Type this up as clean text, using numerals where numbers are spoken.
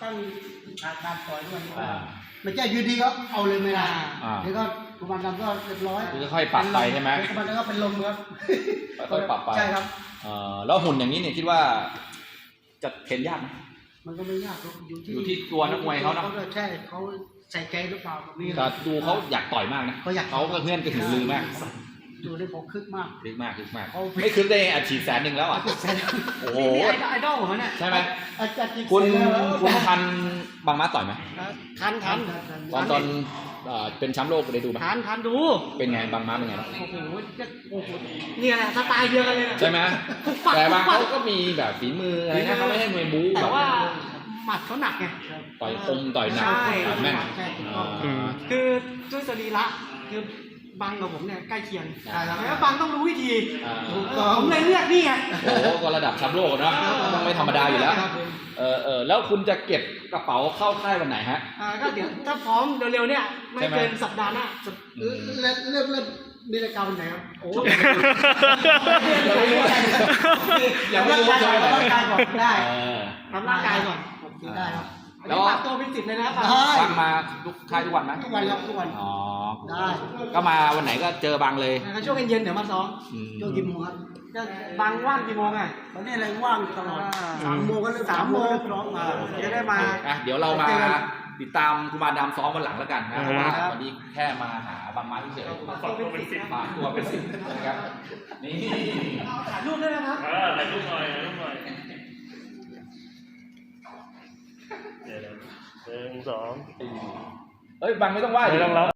ต้องมีการต่อยด้วยไม่ใช่ยืนดีก็เอาเลยไม่ได้แล้วก็กุมารดำก็เรียบร้อยคือค่อยปรับไปใช่ไหมกุมารดำก็เป็นลมครับค่อยปรับไปใช่ครับแล้วหุ่นอย่างนี้เนี่ยคิดว่าจะเทรนยากไหมมันก็ไม่ยากอยู่ที่ตัวนักมวยเขานะใช่เขาใส่ใจหรือเปล่าแบบนี้แต่ดูเขาอยากต่อยมากนะเขาก็เพื่อนก็ถึงลือมากดูได้ผมคึกมากไม่คึกได้อาชีพ100,000แล้วอ่ะโอ้โหไอดอลผมเนี่ยใช่ไหมคุณทันบางม้าต่อยไหมทันตอนเป็นแชมป์โลกได้ดูไหมทันดูเป็นไงบางม้าเป็นไงโอ้โหเนี่ยแหละสไตล์เดียวกันเลยใช่ไหมแต่บางเขาก็มีแบบฝีมืออะไรนะเขาไม่ให้มวยบู๊แต่ว่าหมัดเขาหนักไงต่อยคมต่อยหนักต่อยแม่นคือด้วยสรีระคือบังกับผมเนี่ยใกล้เคียงแล้วบังต้องรู้วิธีผมเลยเลือกนี่ไงโอ้ก็ระดับแชมป์โลกนะต้องไม่ธรรมดาอยู่แล้วแล้วคุณจะเก็บกระเป๋าเข้าค่ายวันไหนฮะก็เดี๋ยวถ้าพร้อมเร็วๆเนี่ยไม่เกินสัปดาห์หน้าเริ่มมีรายการวันไหนครับโอ้ยังไม่รู้ว่าจะร่างกายก่อนได้ทำร่างกายก่อนได้ครับแล้วปรับตัวเป็น10เลยนะครับฟังมาทุกค่ายทุกวันไหมทุกวันครับทุกวันอ๋อได้ก็มาวันไหนก็เจอบางเลยช่วงเย็นๆเดี๋ยวมาซ้อมช่วงกี่โมงครับก็บางว่างกี่โมงอ่ะตอนนี้อะไรว่างตลอด3 โมงก็เริ่ม3 โมงพร้อมมาจะได้มาเดี๋ยวเรามาติดตามกุมารดำซ้อมวันหลังแล้วกันนะเพราะว่าวันนี้แค่มาหาบางม้าเฉยๆฝากตัวเป็น10 นะครับนี่ถ่ายรูปด้วยนะครับถ่ายรูปหน่อย1 2 บางไม่ต้องไหว้ไม่ต้องรับ